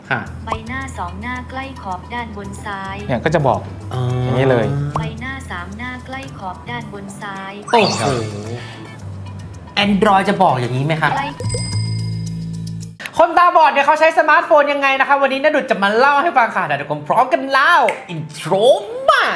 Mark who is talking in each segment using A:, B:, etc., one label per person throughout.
A: ใบหน้า2หน้าใกล้ขอบด้านบนซ้าย
B: เนี่ยก็จะบอกอย่างนี้เลย
A: ใบหน้า3หน้าใกล้ขอบด้านบนซ้าย
C: โอ้โห Android จะบอกอย่างนี้ไหมคะคนตาบอดเนี่ยเขาใช้สมาร์ทโฟนยังไงนะคะวันนี้ณดุจจะมาเล่าให้ฟังค่ะเดี๋ยวทุกคนพร้อมกันเล่าอินโทรมา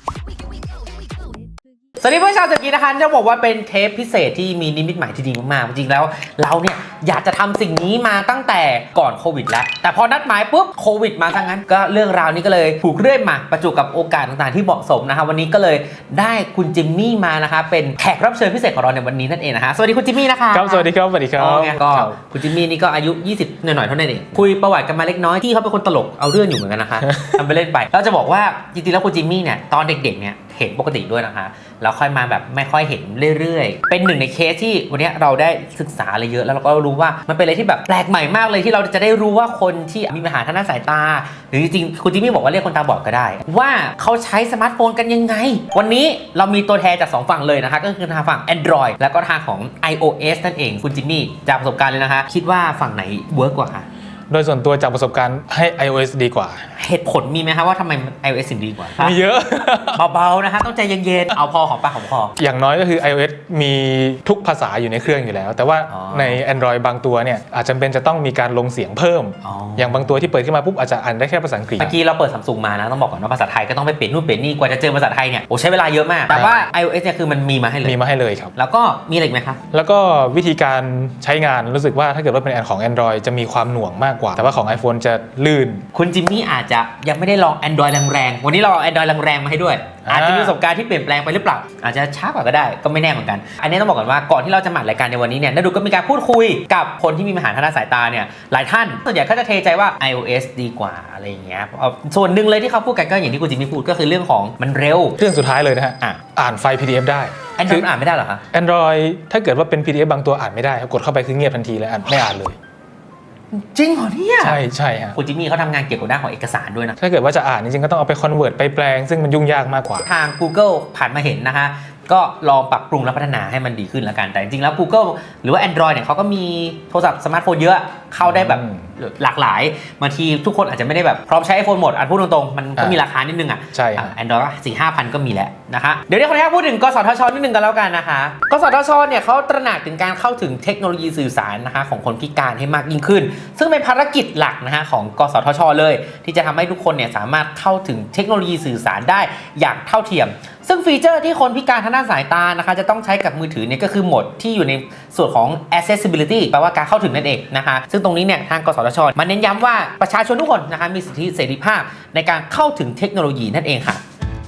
C: สวัสดีเพื่อนชาวสกีนะคะจะบอกว่าเป็นเทปพิเศษที่มีนิมิตหมายที่ดีมากๆจริงๆแล้วเราเนี่ยอยากจะทำสิ่งนี้มาตั้งแต่ก่อนโควิดแล้วแต่พอนัดหมายปุ๊บโควิดมาซะงั้นก็เรื่องราวนี้ก็เลยถูกเรื่อยมาประจวบกับโอกาสต่างๆที่เหมาะสมนะคะวันนี้ก็เลยได้คุณจิมมี่มานะคะเป็นแขกรับเชิญพิเศษของเราในวันนี้นั่นเองนะคะสวัสดีคุณจิมมี่นะคะ
B: ครับสวัสดีครับสวัสดีครับ
C: ก็คุณจิมมี่นี่ก็อายุ20หน่อยๆเท่านั้นเองคุยประวัติกันมาเล็กน้อยที่เขาเป็นคนตลกเอาเรื่องอยู่เหมือนกันนะคะทำไปเล่นไปเราจะบอกว่าจริงๆแล้วคุณจิมมี่เนี่ยตอนเด็กๆเนี่ยเห็นปกติด้วยนะคะแล้วค่อยมาแบบไม่ค่อยเห็นเรื่อยๆเป็นหนึ่งในเคสที่วันนี้เราได้ศึกษาอะไรเยอะแล้วเราก็รู้ว่ามันเป็นอะไรที่แบบแปลกใหม่มากเลยที่เราจะได้รู้ว่าคนที่มีปัญหาทางด้านสายตาหรือจริงๆคุณจิมมี่บอกว่าเรียกคนตาบอดก็ได้ว่าเขาใช้สมาร์ทโฟนกันยังไงวันนี้เรามีตัวแทนจาก2ฝั่งเลยนะคะก็คือทางฝั่ง Android แล้วก็ทางของ iOS นั่นเองคุณจิมมี่จากประสบการณ์เลยนะคะคิดว่าฝั่งไหนเวิร์กกว่าคะ
B: โดยส่วนตัวจากประสบการณ์ให้ iOS ดีกว่า
C: เหตุผลมีไหมคะว่าทำไม iOS ถึงดีกว่า
B: มีเยอะ
C: เบาๆนะคะต้องใจเย็นๆเอาพอของปากของคอ
B: อย่างน้อยก็คือ iOS มีทุกภาษาอยู่ในเครื่องอยู่แล้วแต่ว่าใน Android บางตัวเนี่ยอาจจะเป็นจะต้องมีการลงเสียงเพิ่มอย่างบางตัวที่เปิดขึ้นมาปุ๊บอาจจะอ่านได้แค่ภาษาอังกฤษ
C: เมื่อกี้เราเปิด Samsung มานะต้องบอกก่อนว่าภาษาไทยก็ต้องไปเปลี่ยนนู่นเปลี่ยนนี่กว่าจะเจอภาษาไทยเนี่ยโอ้ใช้เวลาเยอะมากแต่ว่า iOS เนี่ยคือมันมีมาให้เลย
B: ครับ
C: แล้วก็มีอะไรอีกไหมคะ
B: แล้วก็วิธีการใช้งานรู้สึกว่าถ้าเกิดว่าเป็นของ Android จะมีความหน่วงมากกว่าแต่ว่าของ iPhone จะลื่น
C: คุณจิมมี่อาจจะยังไม่ได้ลอง Android แรงๆวันนี้เราเอา Android แรงๆมาให้ด้วยอาจจะมีประสบการณ์ที่เปลี่ยนแปลงไปหรือเปล่าอาจจะช้ากว่าก็ได้ก็ไม่แน่เหมือนกันอันนี้ต้องบอกก่อนว่าก่อนที่เราจะมารายการในวันนี้เนี่ยณดุก็มีการพูดคุยกับคนที่มีปัญหาทางด้านสายตาเนี่ยหลายท่านส่วนใหญ่ก็จะเทใจว่า iOS ดีกว่าอะไรอย่างเงี้ยส่วนหนึ่งเลยที่เขาพูดกันก็อย่างที่คุณจิมมี่พูดก็คือเรื่องของมันเร็ว
B: เรื่องสุดท้ายเลยนะฮะอ่านไฟล์ PDF ได้
C: Android อ่านไม่ได้เหรอคะ
B: Android ถ้าเกิดว่าเป็น PDF บางตัวอ่านไม่ได้กดเข้าไปคือเงียบทันทีเลยไม่อ่านเลย
C: จริงเหรอเนี่ย
B: ใช่ฮะ
C: คุณจิมมี่เขาทำงานเกี่ยวกับด้านของเอกสารด้วยนะ
B: ถ้าเกิดว่าจะอ่านจริงๆก็ต้องเอาไปคอนเวิร์ตไปแปลงซึ่งมันยุ่งยากมากกว่า
C: ทาง Google ผ่านมาเห็นนะคะก็ลองปรับปรุงและพัฒนาให้มันดีขึ้นแล้วกันแต่จริงๆแล้ว Google หรือว่า Android เนี่ยเขาก็มีโทรศัพท์สมาร์ทโฟนเยอะเข้าได้แบบหลากหลายบางทีทุกคนอาจจะไม่ได้แบบพร้อมใช้ iPhone หมดพูดตรงๆมันก็มีราคานิดนึง
B: ใช่
C: Android 4-5,000ก็มีแล้วนะคะเดี๋ยวขออนุญาตพูดถึงกสทชนิดนึงกันแล้วกันนะคะกสทชเนี่ยเขาตระหนักถึงการเข้าถึงเทคโนโลยีสื่อสารนะคะของคนพิการให้มากยิ่งขึ้นซึ่งเป็นภารกิจหลักนะคะของกสทชเลยที่จะทำให้ทุกคนเนี่ยสามารถเข้าถึงเทคโนโลยีสื่อสารได้อย่างเท่าเทียมซึ่งฟีเจอร์ที่คนพิการทางด้านสายตานะคะจะต้องใช้กับมือถือเนี่ยก็คือโหมดที่อยู่ในส่วนของ accessibility แปลว่าการเข้าถึงนั่นเองนะคะซึ่งตรงนี้เนี่ยทางกสทชมาเน้นย้ำว่าประชาชนทุกคนนะคะมีสิทธิเสรีภาพในการเข้าถึงเทคโนโลยีนั่นเองค่ะ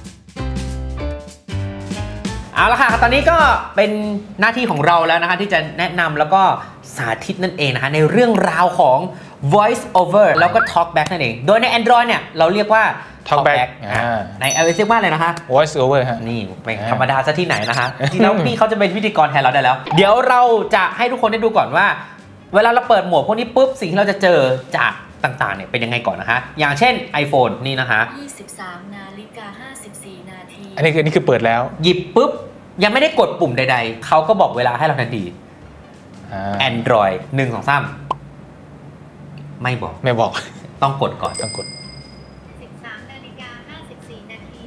C: เอาละค่ะตอนนี้ก็เป็นหน้าที่ของเราแล้วนะคะที่จะแนะนำแล้วก็สาธิตนั่นเองนะคะในเรื่องราวของ voice over แล้วก็ talk back นั่นเองโดยใน Android เนี่ยเราเรียกว่า
B: Talkback
C: ใน iOS เรียกว่าอะไรนะคะ
B: Voice over ฮะ
C: นี่ไม่ธรรมดาซะที่ไหนนะคะจริงแล้วพี่เขาจะเป็นพิธีกรแทนเราได้แล้วเดี๋ยวเราจะให้ทุกคนได้ดูก่อนว่าเวลาเราเปิดโหมดพวกนี้ปุ๊บสิ่งที่เราจะเจอจากต่างๆเนี่ยเป็นยังไงก่อนนะคะอย่างเช่น iPhone นี่นะคะ
A: 23:54 นาที
B: อันนี้คือเปิดแล้ว
C: หยิบปุ๊บยังไม่ได้กดปุ่มใดๆเขาก็บอกเวลาให้เราทันที Android 1 2 3ไม่บอกต้องกดก่อน
B: ต้องกด
A: 13:54 นาที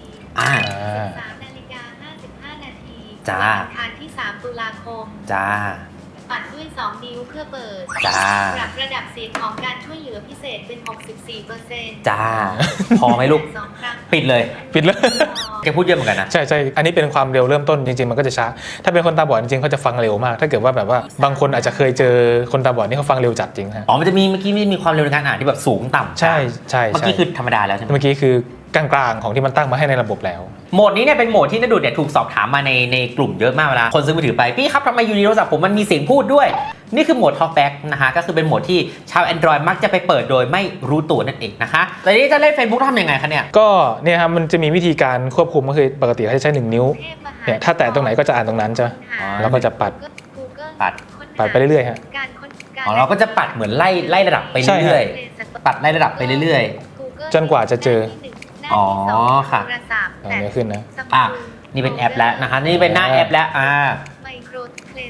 A: 13:55 นาที
C: จ้า
A: ทานที่3 ตุลาคม
C: จ้า
A: ปัดด้วย2 นิ้วเพื่อเปิด
C: จ้า
A: ปรับระดับเสียงของการช่วยเหลือพิเศษเป็น 64%
C: จ้าพอไหมลูกปิดเลยแกพูดเยอะเหมือนกันนะ
B: ใช่อันนี้เป็นความเร็วเริ่มต้นจริงๆมันก็จะช้าถ้าเป็นคนตาบอดจริงๆเขาจะฟังเร็วมากถ้าเกิดว่าแบบว่าบางคนอาจจะเคยเจอคนตาบอดนี่เขาฟังเร็วจัดจริงฮะ
C: มันจะมีเมื่อกี้มีความเร็วในการอ่านที่แบบสูงต่ำ
B: ใช่
C: เมื่อกี้คือธรรมดาแล้วใช่ไหม
B: เมื่อกี้คือกลางๆของที่มันตั้งมาให้ในระบบแล้ว
C: โหมดนี้เนี่ยเป็นโหมดที่ณดุจเนี่ยถูกสอบถามมาในกลุ่มเยอะมากเวลาคนซื้อมือถือไปพี่ครับทำไมอยู่ในโทรศัพท์ผมมันมีเสียงพูดด้วยนี่คือโหมด Talkback นะคะก็คือเป็นโหมดที่ชาว Android มักจะไปเปิดโดยไม่รู้ตัวนั่นเองนะคะแต่นี้จะเล่น Facebook ทำยังไงคะเนี่ย
B: ก็เนี่ยครับมันจะมีวิธีการควบคุมก็คือปกติเขาจะใช้1 นิ้วเนี่ยถ้าแตะตรงไหนก็จะอ่านตรงนั้นจ้ะแล้วก็จะปัดไปเรื่อยๆฮะ
C: เราก็จะปัดเหมือนไล่ระดับไปเรื่อยๆปัดไล่ระดับไปเรื่อย
B: ๆจนกว่าจะเจอ
C: ค่ะ
B: นี่ขึ้นนะ
C: นี่เป็นแอปแล้วนะคะนี่เป็นหน้าแอปแล้ว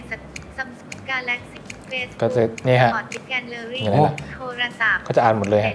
B: ก็จะนี่ฮะ
A: โทรศัพท์
B: ก็จะอ่านหมดเลยฮะ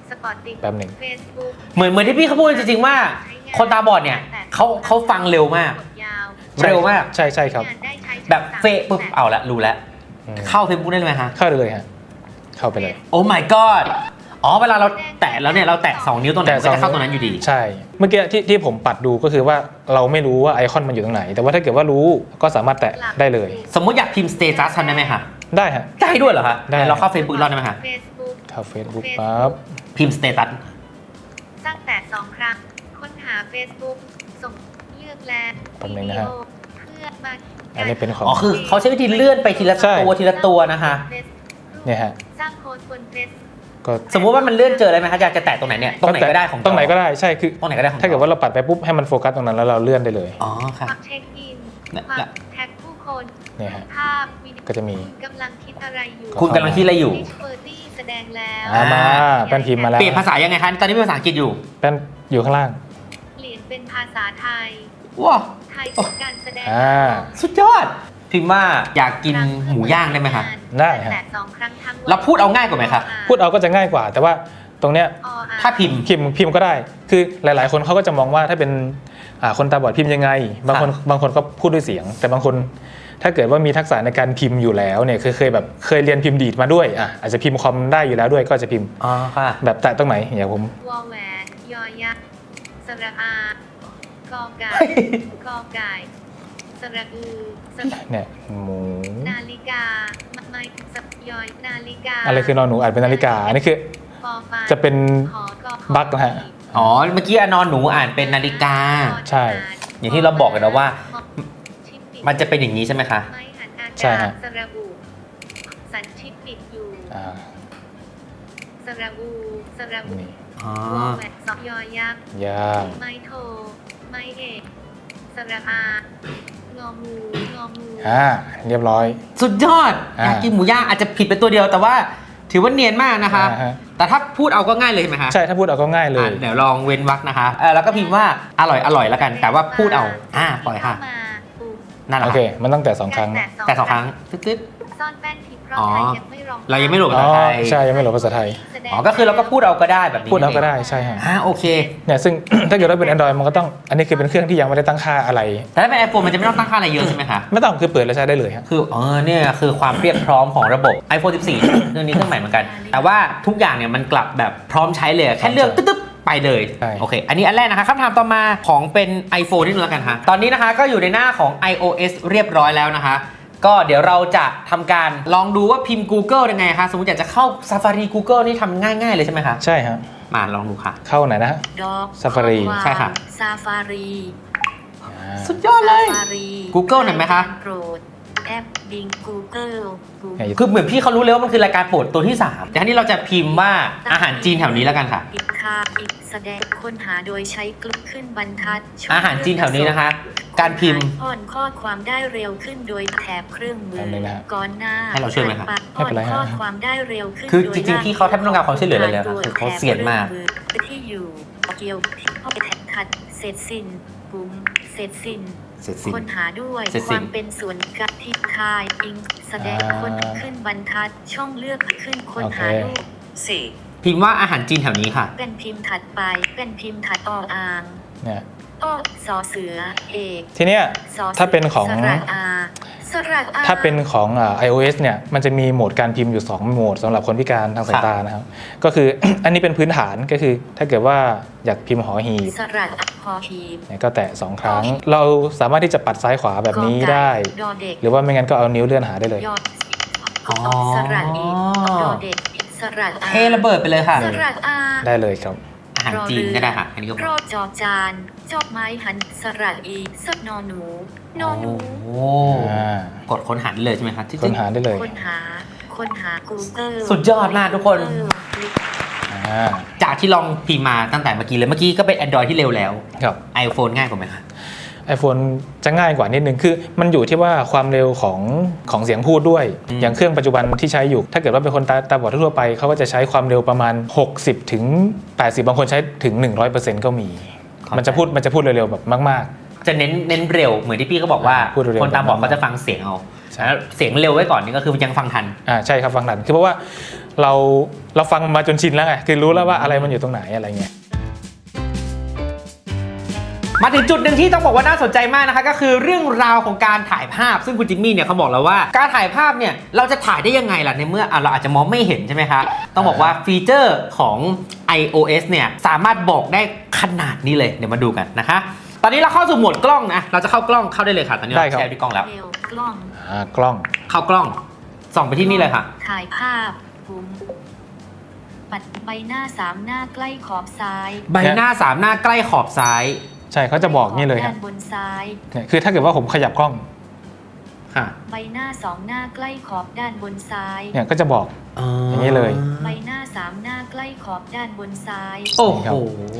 A: สปอร์ตติ้ง
B: แป๊บหนึ่ง
A: เฟซบุ๊ก
C: เหมือนที่พี่เขาพูดจริงๆว่าคนตาบอดเนี่ยเขาฟังเร็วมาก เร็วมาก
B: ใช่ใช่ครับ
C: แบบเฟะปุ๊บเอาละรู้แล้ว เข้า Facebook ได้เลยไหมฮะ
B: เข้าได้เลยฮะเข้าไปเลย
C: โอ้ my god อ๋อเวลาเราแตะแล้วเนี่ยเราแตะ2นิ้วตรงไหนมันก็จะเข้าตรงนั้นอยู่ดี
B: ใช่เมื่อกี้ที่ผมปัดดูก็คือว่าเราไม่รู้ว่าไอคอนมันอยู่ตรงไหน แต่ว่าถ้าเกิดว่ารู้ก็สามารถแตะได้เลย
C: สมมติอยากพิมพ์ status ทำได้ไหมคะ
B: ได้ฮะ
C: ได้ด้วยเหรอคะ
B: ได้
C: เราเข้า Facebook รอดได้ไหมคะ
A: เฟซบุ๊ก
B: เข้า Facebook ปั๊บ
C: พิมพ์ status
A: สร้างแต่2 ครั้ง ค้นหา Facebook ส่งเลือกและ
B: แป๊บนึงนะฮะ
A: เพื่อมา
B: อันนี้เป็นของ
C: อ๋อคือเขาใช้วิธีเลื่อนไปทีละ
B: ใช่
C: ตัวทีละตัวนะคะ
B: เนี่ยฮะ
A: สร้างโค้ดบนเฟซ
B: ก็
C: สมมุติว่ามันเลื่อนเจออะไรไหมคะอยากจะแตะตรงไหนเนี่ยตรงไหนก็ได้ของ
B: ตรงไหนก็ได้ใช่คือ
C: ตรงไหนก็ได้ของ
B: ถ้าเกิดว่าเราปัดไปปุ๊บให้มันโฟกัสตรงนั้นแล้วเราเลื่อนได้เลย
C: อ๋อค่ะ
A: ความเช็คอิน
C: และ
A: ความแท็กผู้คน
B: เนี่ยฮะ
A: ภาพวิดีโอ
B: ก็จะมี
A: กำลังคิดอะไรอยู่
C: คุณกำลังคิดอะไรอยู่
A: ดิสเปอร์ตี้แสดงแล้ว
B: มาแป้นพิมพ์มาแล้ว
C: เปลี่ยนภาษายังไงคะตอนนี้เป็นภาษาอังกฤษอยู่
B: แป้นอยู่ข้างล่าง
A: เปลี่ยนเป็นภาษาไทย
C: ว้าว
A: ไทยเป็นการแสดง
C: สุดยอด พิมพ์ว่าอยากกินหมูย่างได้ไหมคะ
B: ได้ฮะ
A: แต่2 ครั้งทั้งวัน
C: เราพูดเอาง่ายกว่าไหมคะ
B: พูดเอาก็จะง่ายกว่า แต่ว่าตรงเนี้ย
C: ถ้าพิมพ์
B: พิมพ์ก็ได้ คือหลาย ๆ คนเขาก็จะมองว่าถ้าเป็นคนตาบอดพิมพ์ยังไง บางคนก็พูดด้วยเสียง แต่บางคนถ้าเกิดว่ามีทักษะในการพิมพ์อยู่แล้วเนี่ยเคยเรียนพิมพ์ดีดมาด้วยอาจจะพิมพ์คอมได้อยู่แล้วด้วยก็จะพิมพ์
C: อ๋อค่ะ
B: แบบแตะตรงไหนอย่างผม
A: วอแหวนยอยักษ์สระอากอไก่กอไก่สระอือสระ
B: เนี่ยหมู
A: นาฬิกาไม้สับยอยนาฬิกา
B: อะไรคือนอนหนูอ่านเป็นนาฬิกาอันนี้คือ
A: ปอปลา
B: จะเป็น
A: ขอกอขอ
B: บั๊กนะฮะ
C: อ๋อ เมื่อกี้อนอนหนูอ่านเป็นนาฬิกา
B: ใช่
C: อย่างที่เราบอกกันนะว่า
A: ชิปปิด
C: มันจะเป็นอย่างนี้ใช่ไหมคะ
A: ไม้หันอากาศ
B: ใช่ฮะ
A: สระบุสันชิปปิดอยู่
B: อ่า
A: สระบูสระบุ
B: นี่
C: อ๋อ
A: วอแหวนสอบยอยักษ์
B: ย่าง
A: ไม้โทไม้เอกสระอางองูงองู
B: เรียบร้อย
C: สุดยอด อยากกินหมูย่างอาจจะผิดเป็นตัวเดียวแต่ว่าถือว่าเนียนมากนะคะ
B: ฮะ
C: แต่ถ้าพูดเอาก็ง่ายเลยใช่ไหมคะ
B: ใช่ถ้าพูดเอาก็ง่ายเลย
C: เดี๋ยวลองเว้นวรรคนะคะแล้วก็พิมพ์ว่าอร่อยอร่อยแล้วกัน แต่ว่าพูดเอาปล่อยค่ะ
A: เข้ามาปุ่ม
C: นั่นแหละ
B: โอเค มันต้องแต่2 ครั้ง
C: แต่2 ครั้งตึ๊ด
A: ซ่อนแป้นทิพย์เพราะ
C: อ๋อ
A: ไทยยังไม่ลง
C: เรายังไม่โหลด
B: อ๋อ
C: ภาษาไทย
B: ใช่ยังไม่โหลดภาษาไทย
C: อ๋อก็คือเราก็พูดเอาก็ได้แบบนี้
B: พูดเอาก็ได้ใช่ฮะ
C: โอเค
B: เนี่ยซึ่ง ถ้าเกิดว่าเป็น Android มันก็ต้องอันนี้คือเป็นเครื่องที่ยังไม่ได้ตั้งค่าอะไร
C: แต่ถ้าเป็น iPhone มันจะไม่ต้องตั้งค่าอะไรเยอะใช่ไหมคะ
B: ไม่ต้องคือเปิดแล้วใช้ได้เลยฮะ
C: คือเนี่ยคือความเรียบพร้อมของระบบ iPhone 14 เครื่องนี้เครื่องใหม่เหมือนกัน แต่ว่าทุกอย่างเนี่ยมันกลับแบบพร้อมใช้เลยแค่เลือกตึ๊บๆไปเลย
B: ใช่
C: โอเค อันนี้อันแรกนะคะคำถามต่อมาของเป็น iPhone นิดนึงแล้วกันค่ะตอนนี้นะคะก็อยู่ในหน้าของ iOS เรียบร้อยแล้วนะคะ ก็เดี๋ยวเราจะทำการลองดูว่าพิมพ์ Google ยังไงคะสมมติอยากจะเข้า Safari Google นี่ทำง่ายๆเลยใช่ไหมคะ
B: ใช่ฮะ
C: มาลองดูค่ะ
B: เข้าไหนนะฮะ
A: ดอก
B: Safari
C: ใช่ค่ะ
A: ซาฟารี
C: สุดยอดเลย
A: Safari
C: Google หน่อยไหมคะ
A: โปรดแอปบิง Google
C: คือเหมือนพี่เขารู้เลยว่ามันคือรายการโปรดตัวที่ 3 แต่ทีนี้เราจะพิมพ์ว่าอาหารจีนแถวนี้แล้วกันค่ะ
A: ปิดค่าปิดแสดงค้นหาโดยใช้คลิกขึ้นบรรทัดช่ง
C: อาหารจีนแถวนี้นะคะ การพิมพ์
A: อ่อนข้อความได้เร็วขึ้นโดยแถบเครื่องมือ
B: อันนี้นะฮะ
A: ก่อนหน้า
C: ให้เราช่วยไหมครับ
B: ไม่เป็นไรฮะ
A: อ่อนข้อความได้เร็วขึ้น
C: คือ
A: โดย
C: จริงๆพี่เขาแทบไม่ต้องการความช่วยเหลือเลยนะคือเขาเซียนมาก
A: ที่อยู่เกี่ยวเข้าไปแท็บทัดเสร็จสิ้นปุ่มเสร็จสิ้น
C: เสร็จสิ้น
A: ค้นหาด้วย
C: เสร็จ
A: ค
C: สิ้น
A: วามเป็นส่วนกับที่คายอิงแสดงค้นขึ้นบรรทัดช่องเลือกขึ้นค้นหารูปสี่
C: พิมพ์ว่าอาหารจีนแถวนี้ค่ะ
A: เป็นพิมพ์ถัดไปเป็นพิมพ์ถัดอ่าง
B: เนี่ย
A: สอเสือเอก
B: ทีเนี้ย
A: สอสื
B: ถ้าเป็นของ
A: สระอาสระอา
B: ถ้าเป็นของ iOS เนี่ยมันจะมีโหมดการพิมพ์อยู่2โหมดสำหรับคนพิการทางสายตานะครับก็คือ อันนี้เป็นพื้นฐานก็คือถ้าเกิดว่าอยากพิมพ์หอหีบ
A: สระอาพอหีบ
B: เนี่ยก็แตะ2 ครั้ง เราสามารถที่จะปัดซ้ายขวาแบบนี้ได้
A: ดอเด็ก
B: หรือว่าไม่งั้นก็เอานิ้วเลื่อนหาได้เลย
A: ยอด
C: อ๋อ
A: สระอีดอเด็กสระอา
C: เทระเบิดไปเลยค่ะ
A: สระอา
B: ได้เลยครับ
C: อาหารจีนก็ได้ค่ะ อันนี้ก็
A: โรดจอจานจอบไม้หันสระอีสดนอหนูนอหนู
C: โอ้กดค้นหาได้เลยใช่ไหมคะ
B: ค้นหาได้เลย
A: ค้นหา Google
C: สุดยอดมากทุกคน
B: อ่า
C: จากที่ลองพิมพ์มาตั้งแต่เมื่อกี้เลย เมื่อกี้ก็เป็น Android ที่เร็วแล้ว
B: ครับ
C: iPhone ง่ายกว่าไหมคะ
B: iPhone จะง่ายกว่านิดนึงคือมันอยู่ที่ว่าความเร็วของเสียงพูดด้วย อย่างเครื่องปัจจุบันที่ใช้อยู่ ถ้าเกิดว่าเป็นคนตาบอดทั่วไปเขาก็จะใช้ความเร็วประมาณ 60 ถึง 80 บางคนใช้ถึง 100% ก็มี มันจะพูดเร็วๆแบบมาก
C: จะเน้นเร็วเหมือนที่พี่เขาบอกว่า
B: พูดเร็วๆ
C: คนตาบอดเขาจะฟังเสียงเอาแล้วเสียงเร็วไว้ก่อนนี่ก็คือยังฟังทัน
B: ใช่ครับฟังทันคือเพราะว่าเราฟังมาจนชินแล้วไงคือรู้แล้วว่าอะไรมันอยู่ตรงไหนอะไรเงี้ย
C: มาถึงจุดหนึ่งที่ต้องบอกว่าน่าสนใจมากนะคะก็คือเรื่องราวของการถ่ายภาพซึ่งคุณจิมมี่เนี่ยเขาบอกแล้วว่าการถ่ายภาพเนี่ยเราจะถ่ายได้ยังไงล่ะในเมื่อเราอาจจะมองไม่เห็นใช่ไหมคะต้องบอกว่าฟีเจอร์ของ iOS เนี่ยสามารถบอกได้ขนาดนี้เลยเดี๋ยวมาดูกันนะคะตอนนี้เราเข้าสู่โหมดกล้องนะเราจะเข้ากล้องเข้าได้เลยค่ะตอนนี้เราแชร์ที่กล้องแล้ว
A: กล้อง
B: กล้อง
C: เข้ากล้องส่องไปที่นี่เลยค่ะ
A: ถ่ายภาพปุ่มปัดใบหน้า3หน้าใกล้ขอบซ้าย
C: ใบหน้า3หน้าใกล้ขอบซ้าย
B: ใช่เขาจะบอกนี่เลยครับ
A: ด้านบนซ้าย
B: เนี่ยคือถ้าเกิดว่าผมขยับกล้อง
A: ใบหน้า2หน้าใกล้ขอบด้านบนซ้าย
B: เนี่ยก็จะบอกอย่างนี้เลย
A: ใบหน้า3หน้าใกล้ขอบด้านบนซ้าย
C: โอ้โห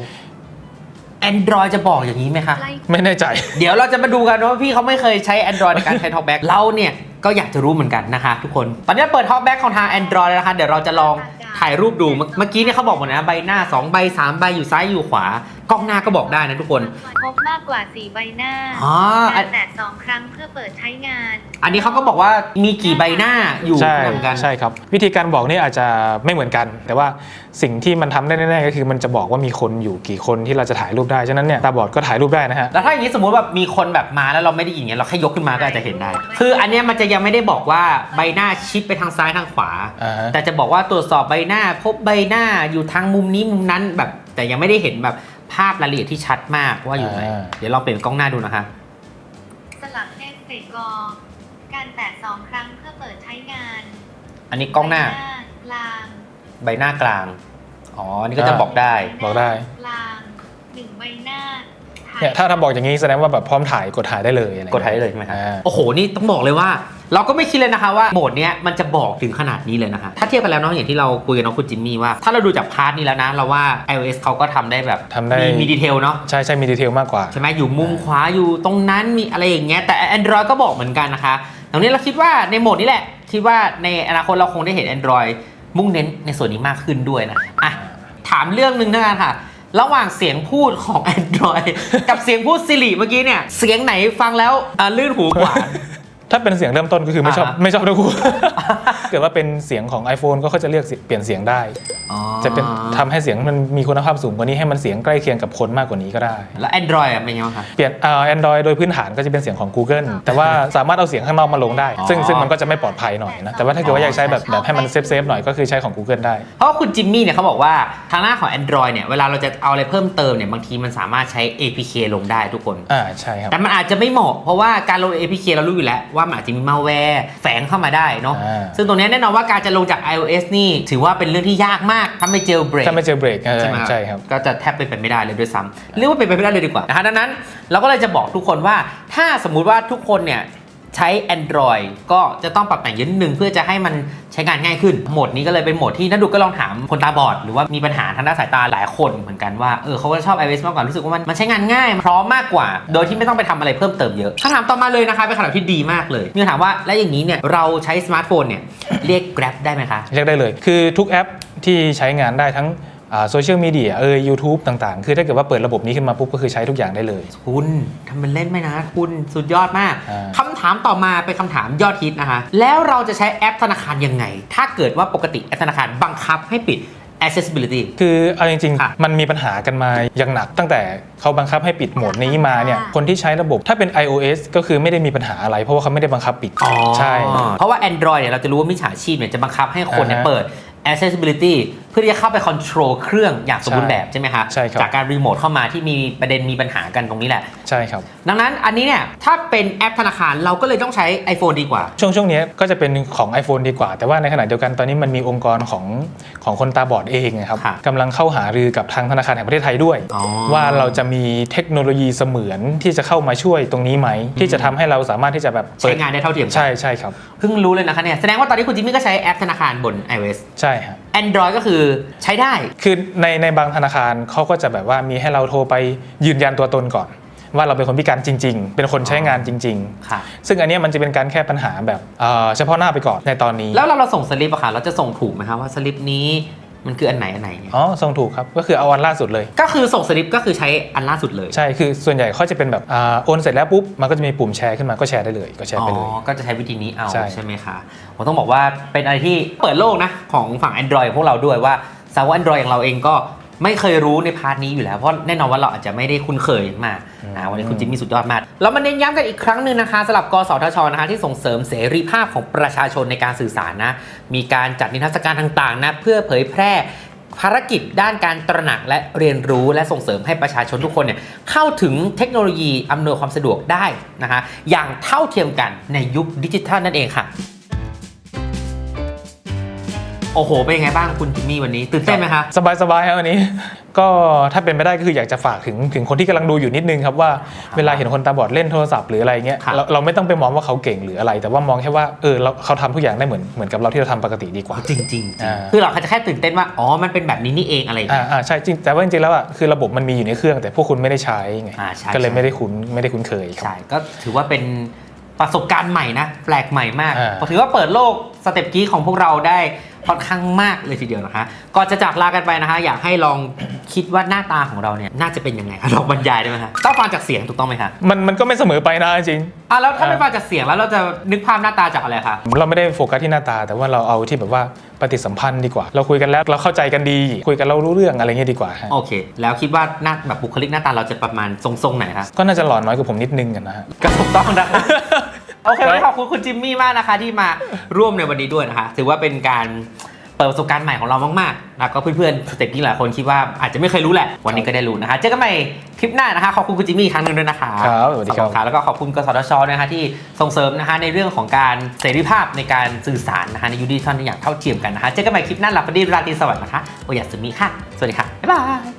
C: Android จะบอกอย่างนี้ไหมคะ
B: ไม่แน่ใจ
C: เดี๋ยวเราจะมาดูกันว่าพี่เขาไม่เคยใช้ Android ในการใช้ Talkback เราเนี่ยก็อยากจะรู้เหมือนกันนะคะทุกคนตอนนี้เปิด Talkback ของทาง Android แล้วนะคะเดี๋ยวเราจะลองถ่ายรูปดูเมื่อกี้เนี่ยเขาบอกหมดนะใบหน้า2ใบ3ใบอยู่ซ้ายอยู่ขวากล้องหน้าก็บอกได้นะทุกคน
A: พบมากกว่า4ใบหน้าการแตะ2ครั้งเพื่อเปิดใช้งาน
C: อันนี้เขาก็บอกว่ามีกี่ใบหน้าอยู่เหมือนกัน
B: ใช่ครับวิธีการบอกนี่อาจจะไม่เหมือนกันแต่ว่าสิ่งที่มันทำได้แน่ๆก็คือมันจะบอกว่ามีคนอยู่กี่คนที่เราจะถ่ายรูปได้ฉะนั้นเนี่ยตาบอดก็ถ่ายรูปได้นะฮะ
C: แล้วถ้าอย่างนี้สมมติแบบมีคนแบบมาแล้วเราไม่ได้ยินเงี้ยเราแค่ยกขึ้นมาก็อาจจะเห็นได้คืออันนี้มันจะยังไม่ได้บอกว่าใบหน้าชิดไปทางซ้ายทางขวาแต่จะบอกว่าตรวจสอบใบหน้าพบใบหน้าอยู่ทางมุมนี้มุมนั้นแบบแต่ยังไม่ได้เห็นแบบภาพรายละเอียดที่ชัดมากว่าอยู่ไหนเดี๋ยวลองเปลี่ยนกล้องหน้าดูนะคะ
A: สลับเอฟเฟกต์กอการแตะ2ครั้งเพื่อเปิดใช้งาน
C: อันนี้กล้องหน้าใบหน้ากลางอ๋อนี่ก็จะบอกได้
A: กลาง1ใบหน้า
B: เนี่ยถ้าบอกอย่างนี้แสดงว่าแบบพร้อมถ่ายกดถ่ายได้เลย
C: กดถ่ายได้เลยใช่ไหมครับโอ้โหนี่ต้องบอกเลยว่าเราก็ไม่คิดเลยนะคะว่าโหมดเนี้ยมันจะบอกถึงขนาดนี้เลยนะคะถ้าเทียบกันแล้วเนาะอย่างที่เราคุยกับน้องคุณจิมมี่ว่าถ้าเราดูจากพาร์ทนี้แล้วนะเราว่า iOS เขาก็ทำได้แบบมีดีเทลเนาะ
B: ใช่มีดีเทลมากกว่า
C: ใช่ไหมอยู่มุมขวาอยู่ตรงนั้นมีอะไรอย่างเงี้ยแต่ Android ก็บอกเหมือนกันนะคะตรงนี้เราคิดว่าในโหมดนี้แหละคิดว่าในอนาคตเราคงได้เห็น Android มุ่งเน้นในส่วนนี้มากขึ้นด้วยนะอ่ะถามเรื่องนึงนะค่ะระหว่างเสียงพูดของ Android กับเสียงพูด Siri เมื่อกี้เนี่ยเสียงไหนฟังแล้วลื่นหูกว่า
B: ถ้าเป็นเสียงเริ่มต้นก็คือไม่ชอบทั้งคู่ เกิดว่าเป็นเสียงของ iPhone ก็เขาจะเลือกเปลี่ยนเสียงได้จะเป็นทำให้เสียงมันมีคุณภาพสูงกว่านี้ให้มันเสียงใกล้เคียงกับคนมากกว่านี้ก็ได้
C: แล้ว Android เป็นยังไงคะ
B: เปลี่ยนAndroid โดยพื้นฐานก็จะเป็นเสียงของ Google แต่ว่าสามารถเอาเสียงข้างนอกมาลงได้ซึ่งมันก็จะไม่ปลอดภัยหน่อยนะแต่ว่าถ้าเกิดว่าอยากใช้แบบให้มันเซฟหน่อยก็คือใช้ของ Google ได้
C: เพราะคุณจิมมี่เนี่ยเขาบอกว่าทางหน้าของ Android เนี่ยเวลาเราจะเอาอะไรเพิ่มเติมเนี่ยบางทีมันสามารถใช้ APK ลงได้ทุกคน
B: ใช่ครับ
C: แต่มันอาจจะไม่เหมาะเพราะว่าการลง APK เรารู้อยู่แล้วว่ามันอาจจะมีmalwareแฝงเข้ามาได้เนาะซึ่งตรงนี้แน่นอนว่าการจะลงจาก iOS นี่ถือว่าเป็นเรื่องที่ยากมากถ้าไม่เจลเบรก
B: ใช่ไหมใช่ครับ
C: ก็จะแทบเป็นไปไม่ได้เลยด้วยซ้ำเรียกว่าเป็นไปไม่ได้เลยดีกว่านะฮะดังนั้นเราก็เลยจะบอกทุกคนว่าถ้าสมมุติว่าทุกคนเนี่ยใช้ Android ก็จะต้องปรับแต่งนิดนึงเพื่อจะให้มันใช้งานง่ายขึ้นโหมดนี้ก็เลยเป็นโหมดที่นักดูก็ลองถามคนตาบอดหรือว่ามีปัญหาทางด้านสายตาหลายคนเหมือนกันว่าเขาก็ชอบ iOS มากกว่ารู้สึกว่ามันใช้งานง่ายพร้อมมากกว่าโดยที่ไม่ต้องไปทำอะไรเพิ่มเติมเยอะคำถามต่อมาเลยนะคะเป็นคำถามที่ดีมากเลยมีคำถามว่าแล้วอย่างนี้เนี่ยเราใช้สมาร์ทโฟนเนี่ยเรียก Grab ได้ไหมคะ
B: เรียกได้เลยคือทุกแอปที่ใช้งานได้ทั้งโซเชียลมีเดียYouTube ต่างๆคือถ้าเกิดว่าเปิดระบบนี้ขึ้นมาปุ๊บก็คือใช้ทุกอย่างได้เลย
C: คุณทำเป็นเล่นไหมนะคุณสุดยอดมากคำถามต่อมาเป็นคำถามยอดฮิตนะคะแล้วเราจะใช้แอปธนาคารยังไงถ้าเกิดว่าปกติแอปธนาคารบังคับให้ปิด accessibility
B: คือเอาจริงๆมันมีปัญหากันมาอย่างหนักตั้งแต่เขาบังคับให้ปิดโหมดนี้มาเนี่ยคนที่ใช้ระบบถ้าเป็น iOS ก็คือไม่ได้มีปัญหาอะไรเพราะว่าเขาไม่ได้บังคับปิดใช่
C: เพราะว่า Android เนี่ยเราจะรู้ว่ามิจฉาชีพเนี่ยจะบังคับให้คนเนี่ยเปิดaccessibility เพื่อที่จะเข้าไป control เครื่องอย่างสมบูรณ์แบบใช่ไหมคะ
B: ใช่ครับ
C: จากการรีโมทเข้ามาที่มีประเด็นมีปัญหากันตรงนี้แหละ
B: ใช่ครับ
C: ดังนั้นอันนี้เนี่ยถ้าเป็นแอปธนาคารเราก็เลยต้องใช้ iPhone ดีกว่า
B: ช่วงนี้ก็จะเป็นของ iPhone ดีกว่าแต่ว่าในขณะเดียวกันตอนนี้มันมีองค์กรของคนตาบอดเองนะครับกำลังเข้าหารือกับทางธนาคารแห่งประเทศไทยด้วยว่าเราจะมีเทคโนโลยีเสมือนที่จะเข้ามาช่วยตรงนี้ไหมที่จะทำให้เราสามารถที่จะแบบ
C: ใช้งานได้เท่าเทียม
B: ใช่ครับ
C: เพิ่งรู้เลยนะคะเนี่ยแสดงว่าตอนนี้คุณจิมมี่ก็ใช้แอปธนาคารบน iOS
B: ใช่ครับ
C: Android ก็คือใช้ได้
B: คือในบางธนาคารเขาก็จะแบบว่ามีให้เราโทรไปยืนยันตัวตนก่อนว่าเราเป็นคนพิการจริงๆเป็นคนใช้งานจริงๆซึ่งอันนี้มันจะเป็นการแก้ปัญหาแบบเฉพาะหน้าไปก่อนในตอนนี้
C: แล้วเราส่งสลิปอะค่ะเราจะส่งถูกไหมครับว่าสลิปนี้มันคืออันไหนเนี่ย
B: อ๋อส่งถูกครับก็คือเอาอันล่าสุดเลย
C: ก็คือส่งสลิปก็คือใช้อันล่าสุดเลย
B: ใช่คือส่วนใหญ่เขาจะเป็นแบบโอนเสร็จแล้วปุ๊บมันก็จะมีปุ่มแชร์ขึ้นมาก็แชร์ได้เลยก็แชร์ไปเลย
C: ก็จะใช้วิธีนี้เอา
B: ใช่
C: ไหมคะผมต้องบอกว่าเป็นอะไรที่เปิดโลกนะของฝั่ง Android พวกเราด้วยว่าสาวก Android อย่างเราเองก็ไม่เคยรู้ในพาร์ทนี้อยู่แล้วเพราะแน่นอนว่าเราอาจจะไม่ได้คุ้นเคยมากวันนี้คุณจิมมี่สุดยอดมากแล้วมาเน้นย้ำกันอีกครั้งหนึ่งนะคะสำหรับกสทชนะคะที่ส่งเสริมเสรีภาพของประชาชนในการสื่อสารนะมีการจัดนิทรรศการต่างๆนะเพื่อเผยแพร่ภารกิจด้านการตระหนักและเรียนรู้และส่งเสริมให้ประชาชนทุกคนเนี่ยเข้าถึงเทคโนโลยีอำนวยความสะดวกได้นะคะอย่างเท่าเทียมกันในยุคดิจิทัลนั่นเองค่ะโอ้โหเป็นยังไงบ้างคุณจิมมี่วันนี้ตื่นเต้นไหมคะ
B: สบายครับวันนี้ก็ถ้าเป็นไปได้ก็คืออยากจะฝากถึงคนที่กำลังดูอยู่นิดนึงครับว่าเวลาเห็นคนตาบอดเล่นโทรศัพท์หรืออะไรเงี้ยเราไม่ต้องไปมองว่าเขาเก่งหรืออะไรแต่ว่ามองแค่ว่าเขาทำทุกอย่างได้เหมือนกับเราที่เราทำปกติดีกว่า
C: จริงคือเราจะแค่ตื่นเต้นว่าอ๋อมันเป็นแบบนี้นี่เองอะไรอย่างเงี้ย
B: ใช่จริงแต่ว่าจริงๆแล้วคือระบบมันมีอยู่ในเครื่องแต่พวกคุณไม่ได้ใช้ไงก็เลยไม่ได้คุ้นเคย
C: ใช่ก็ถือว่าเป็นประสบการณ์ใหม่นะแปลกใหม่มากถือว่าเปิดโลกสเต็ปกี้ของพวกเราได้ค่อนข้างมากเลยทีเดียวนะคะก่อนจะจากลากันไปนะคะอยากให้ลองคิดว่าหน้าตาของเราเนี่ยน่าจะเป็นยังไงคะลองบรรยายได้ไหมคะต้องฟังจากเสียงถูกต้องไหมคะ
B: มันก็ไม่เสมอไปนะจริง
C: แล้วถ้าไม่ฟังจากเสียงแล้วเราจะนึกภาพหน้าตาจากอะไรคะ
B: เราไม่ได้โฟกัสที่หน้าตาแต่ว่าเราเอาที่แบบว่าปฏิสัมพันธ์ดีกว่าเราคุยกันแล้วเราเข้าใจกันดีคุยกันเรารู้เรื่องอะไรเงี้ยดีกว่า
C: โอเคแล้วคิดว่าหน้าแบบบุคลิกหน้าตาเราจะประมาณทรงไหนคะ
B: ก็น่าจะหล่อน้อยกว่าผมนิดนึงกันนะฮะ
C: ก็ถูกต้องนะคะโอเคขอบคุณคุณจิมมี่มากนะคะที่มาร่วมในวันนี้ด้วยนะคะถือว่าเป็นการเปิดประสบการณ์ใหม่ของเรามากๆแล้วก็เพื่อนๆสเต็ปที่หลายคนคิดว่าอาจจะไม่เคยรู้แหละวันนี้ก็ได้รู้นะคะเจอกันใหม่คลิปหน้านะคะขอบคุณคุณจิมมี่ครั้งนึงด้วยนะคะ
B: ครับสวัสดีครับ
C: แล้วก็ขอบคุณกสทชนะคะที่ส่งเสริมนะคะในเรื่องของการเสรีภาพในการสื่อสารนะคะในยุคดิจิทัลอย่างเท่าเทียมกันนะคะเจอกันใหม่คลิปหน้าหลับฝันดีราตรีสวัสดิ์นะคะโอยาสึมิค่ะสวัสดีค่ะบ๊ายบาย